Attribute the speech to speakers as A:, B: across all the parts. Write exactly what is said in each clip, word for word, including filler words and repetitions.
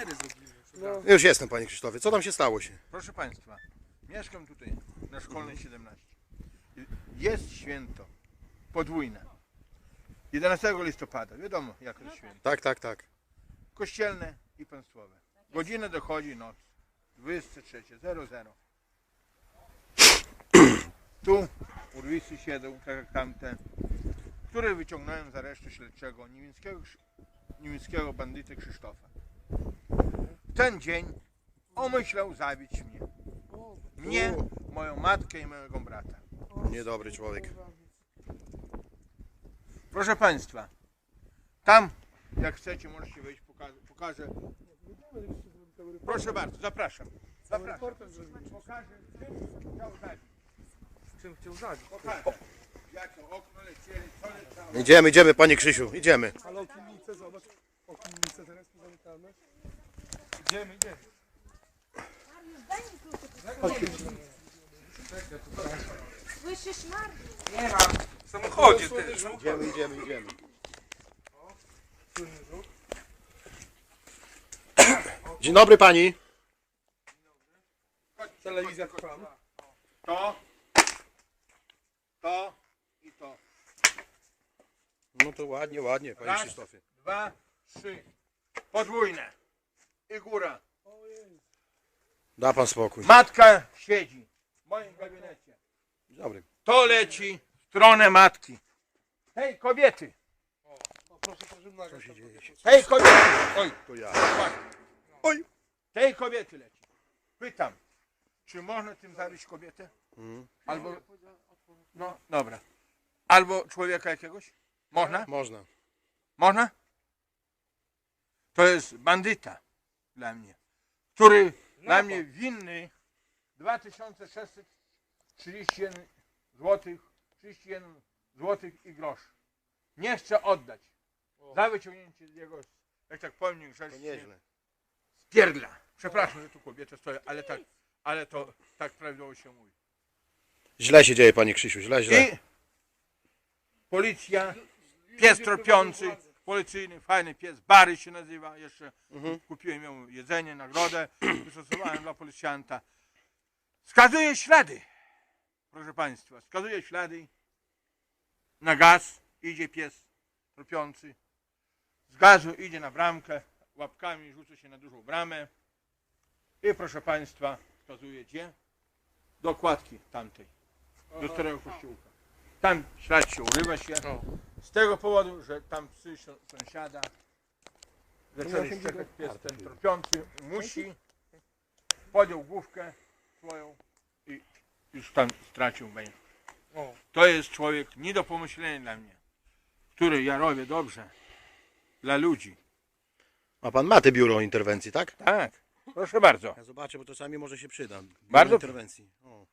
A: kamery zrobimy.
B: No. Już jestem, panie Krzysztofie. Co tam się stało się?
C: Proszę Państwa, mieszkam tutaj na Szkolnej siedemnaście. Jest święto podwójne. jedenastego listopada, wiadomo jak to jest święto.
B: Tak, tak, tak.
C: Kościelne i państwowe. Godzina dochodzi noc. dwadzieścia trzy zero zero. Tu urwisy siedzą, tak jak tamte, które wyciągnąłem z aresztu śledczego niemieckiego, niemieckiego bandyty Krzysztofa. W ten dzień omyślał zabić mnie. Mnie, moją matkę i mojego brata.
B: Niedobry człowiek.
C: Proszę Państwa, tam jak chcecie możecie wejść, pokażę. pokażę. Proszę bardzo, zapraszam. Zapraszam. Pokażę, czym chciał zabić.
A: Czym chciał zabić?
C: Pokażę. Jak to okno lecieli, co leciało.
B: Idziemy, idziemy, panie Krzysiu, idziemy.
A: Ale okiennice, zobacz. Okiennice teraz pozamykane. Idziemy, idziemy.
D: Słyszysz, Mariusz?
A: Nie mam. W samochodzie też.
B: Idziemy, idziemy, idziemy. Dzień dobry pani.
A: Telewizja trwam.
C: To, to i to.
B: No to ładnie, ładnie, panie
C: Raz,
B: Krzysztofie.
C: dwa, trzy. Podwójne. I góra.
B: Da pan spokój.
C: Matka siedzi w moim gabinecie.
B: Dzień dobry.
C: To leci w stronę matki. Hej kobiety!
A: Proszę, proszę, nagrać.
B: Co się dzieje?
C: Hej kobiety! Oj,
B: To ja.
C: oj! Tej kobiety leci. Pytam, czy można tym zabić kobietę?
B: Mhm.
C: Albo... No, dobra. Albo człowieka jakiegoś? Można?
B: Można.
C: Można? To jest bandyta dla mnie, który dla mnie winny dwa tysiące sześćset trzydzieści jeden złotych, trzydzieści jeden złotych i grosz. Nie chcę oddać. Za wyciągnięcie jego, jak tak powiem,
B: To
C: grzecznie
B: nieźle.
C: z pierdla. Przepraszam, że tu kobieta stoi, ale tak, ale to tak prawidłowo się mówi.
B: Źle się dzieje, panie Krzysiu, źle, źle.
C: I policja, pies tropiący, policyjny, fajny pies, Bary się nazywa, jeszcze
B: Mhm.
C: kupiłem mu jedzenie, nagrodę, wystosowałem dla policjanta. Wskazuje ślady, proszę Państwa, wskazuje ślady na gaz, idzie pies tropiący, z gazu idzie na bramkę, łapkami rzuca się na dużą bramę i proszę Państwa, wskazuje gdzie? Do kładki tamtej, do starego kościółka. Tam ślad się urywa się, z tego powodu, że tam psy sąsiada zaczęli szczekać, pies ten tropiący musi, podjął główkę swoją i już tam stracił węch. To jest człowiek nie do pomyślenia dla mnie, który ja robię dobrze dla ludzi.
B: A pan ma te biuro interwencji, tak?
C: Tak, proszę bardzo.
B: Ja zobaczę, bo czasami może się przyda. Biuro
C: Bardzo-
B: interwencji. O.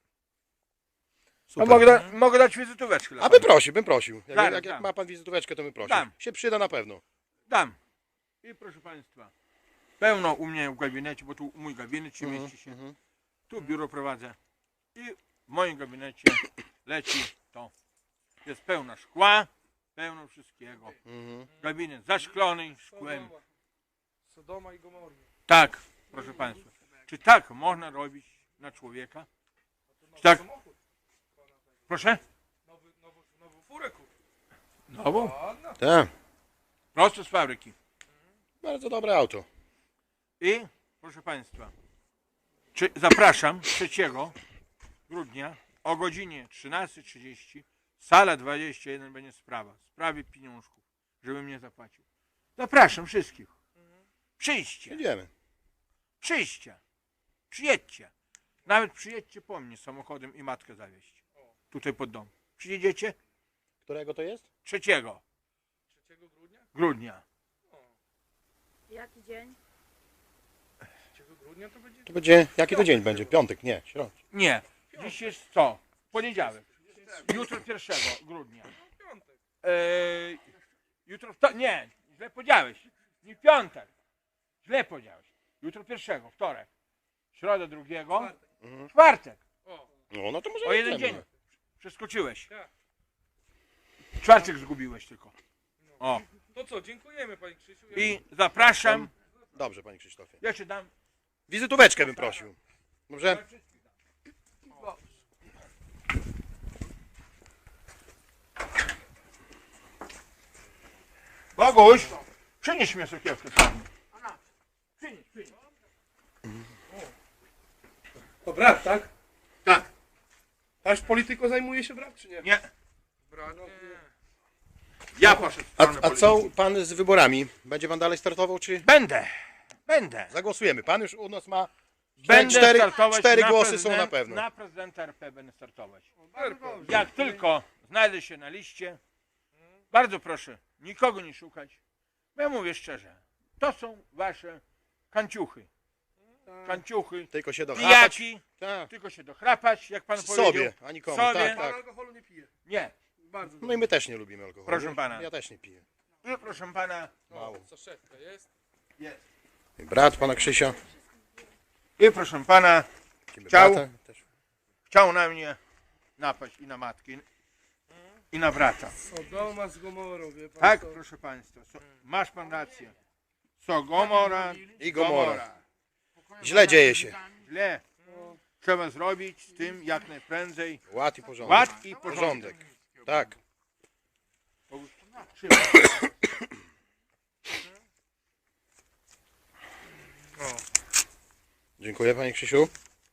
C: No
B: Super.
C: mogę, da, mogę dać wizytóweczkę dla
B: A bym
C: pana.
B: prosił, bym prosił. Jak,
C: Dam,
B: jak, jak
C: dam.
B: ma pan wizytóweczkę, to bym prosił.
C: Dam.
B: Się przyda na pewno.
C: Dam. I proszę Państwa, pełno u mnie w gabinecie, bo tu mój gabinet się mieści się.
B: Mhm.
C: Tu biuro prowadzę i w moim gabinecie leci to. Jest pełno szkła, pełno wszystkiego.
B: Mhm.
C: Gabinet zaszklony szkłem.
A: Sodoma. Sodoma i Gomorra.
C: Tak, proszę Państwa. Czy tak można robić na człowieka? Czy tak?
A: Samochód.
C: Proszę?
A: Nowy, nowy, nową furę kupił.
C: Nową?
A: Ładna.
B: Tak.
C: Prosto z fabryki.
B: Bardzo dobre auto.
C: I proszę Państwa, czy zapraszam trzeciego grudnia o godzinie trzynastej trzydzieści, sala dwadzieścia jeden będzie sprawa, w sprawie pieniążków, żeby mnie zapłacił. Zapraszam wszystkich. Przyjdźcie,
B: Idziemy.
C: przyjdźcie, przyjedźcie. Nawet przyjedźcie po mnie samochodem i matkę zawieźć. Tutaj pod dom. Przyjedziecie?
B: Którego to jest?
C: Trzeciego
A: trzeciego grudnia?
C: grudnia.
D: Jaki dzień?
A: trzeciego grudnia to będzie...
B: To będzie, jaki to dzień będzie? Piątek, nie, środa.
C: Nie, dziś jest co? Poniedziałek. Jutro pierwszego grudnia.
A: Piątek.
C: Eee, jutro, wto- nie, źle powiedziałeś. Nie piątek. Źle powiedziałeś. Jutro pierwszego, wtorek. Środa drugiego.
A: Czwartek.
C: Czwartek.
A: O,
B: No, no to może
C: O jeden
B: idziemy.
C: dzień. Przeskoczyłeś.
A: tak.
C: Czwartek zgubiłeś tylko. O.
A: To co, dziękujemy Panie Krzysiu.
C: I zapraszam
B: Dobrze, panie Krzysztofie.
C: Ja ci dam.
B: Wizytóweczkę bym prosił. Dobrze?
C: Boguś, przynieś mi sokiewkę. Przynieś, przynieś.
A: To brat, tak?
C: Tak.
A: Aż polityką zajmuje się brat, czy nie?
C: Nie.
A: Brat, nie.
C: Ja poszedł w
B: A,
C: stronę
B: a co
C: polityki.
B: pan z wyborami? Będzie pan dalej startował, czy
C: Będę. Będę.
B: zagłosujemy? Pan już u nas ma
C: Będę
B: cztery,
C: startować
B: cztery
C: na
B: głosy są na
C: prezydent-
B: pewno.
C: Na prezydenta R P będę startować.
A: Bardzo dobrze.
C: Jak tylko znajdę się na liście, bardzo proszę, nikogo nie szukać. Bo ja mówię szczerze, to są wasze kanciuchy. Kanciuchy,
B: Tylko się dochrapać.
C: pijaki,
B: Tak.
C: tylko się dochrapać, jak pan
B: Sobie,
C: powiedział.
B: a nikomu.
C: Sobie.
B: Tak,
A: Pan
B: tak.
A: alkoholu nie pije.
C: Nie.
A: Bardzo
B: No i my też nie lubimy alkoholu.
C: Proszę pana.
B: Ja też nie piję.
C: I proszę pana,
B: Mało.
A: Saszetka jest?
C: jest.
B: Brat pana Krzysia.
C: I proszę pana,
B: Widzimy
C: Ciao.
B: brata też.
C: chciał na mnie napaść i na matki, i na brata.
A: Sodoma z Gomorą, wie pan
C: Tak,
A: co?
C: proszę państwa, so, masz pan rację. Sogomora
B: I Gomora. Źle dzieje się.
C: Źle. Trzeba zrobić z tym jak najprędzej
B: Ład i porządek.
C: ład i porządek.
B: Porządek. Tak.
C: Trzymaj.
B: Dziękuję panie Krzysiu.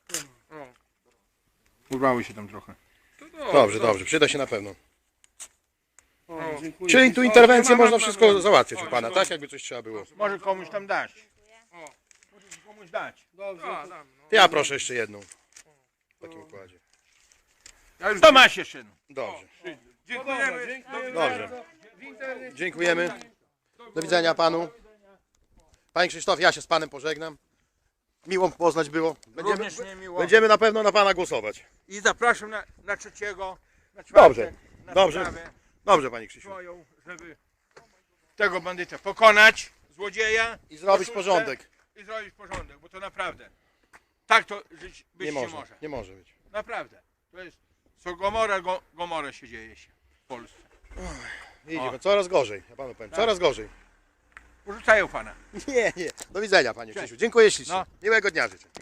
C: Urwały się tam trochę.
B: Dobrze, dobrze. Przyda się na pewno.
A: O, dziękuję.
B: Czyli tu
A: O,
B: interwencję
A: mam,
B: można
A: mam,
B: wszystko
A: mam.
B: załatwiać u pana, tak? Jakby coś trzeba było.
C: Może komuś tam dać. Może komuś dać.
A: Dobrze. to-
B: Ja proszę jeszcze jedną. W takim układzie.
C: To masz jeszcze jedną.
B: Dobrze.
A: Dziękujemy. Dziękujemy
B: Dobrze.
A: bardzo. W internecie.
B: Dziękujemy. Do widzenia panu. Panie Krzysztof, ja się z panem pożegnam. Miło poznać było. Będziemy,
C: Również nie miło.
B: będziemy na pewno na pana głosować.
C: I zapraszam na, na trzeciego, na czwartek,
B: Dobrze,
C: na
B: dobrze.
C: sprawę
B: Dobrze panie Krzysiu.
C: swoją, żeby tego bandyta pokonać, złodzieja.
B: I zrobić
C: oszustę
B: porządek.
C: I zrobić porządek, bo to naprawdę. Tak to żyć być
B: Nie
C: nie
B: może,
C: może.
B: nie może być.
C: Naprawdę. To jest, co Gomora, go, Gomora się dzieje się w Polsce.
B: Idzie, coraz gorzej, ja panu powiem, coraz gorzej.
C: Porzucają pana.
B: Nie, nie. Do widzenia panie Krzysiu. Dziękuję ślicznie.
C: No.
B: Miłego dnia życzę.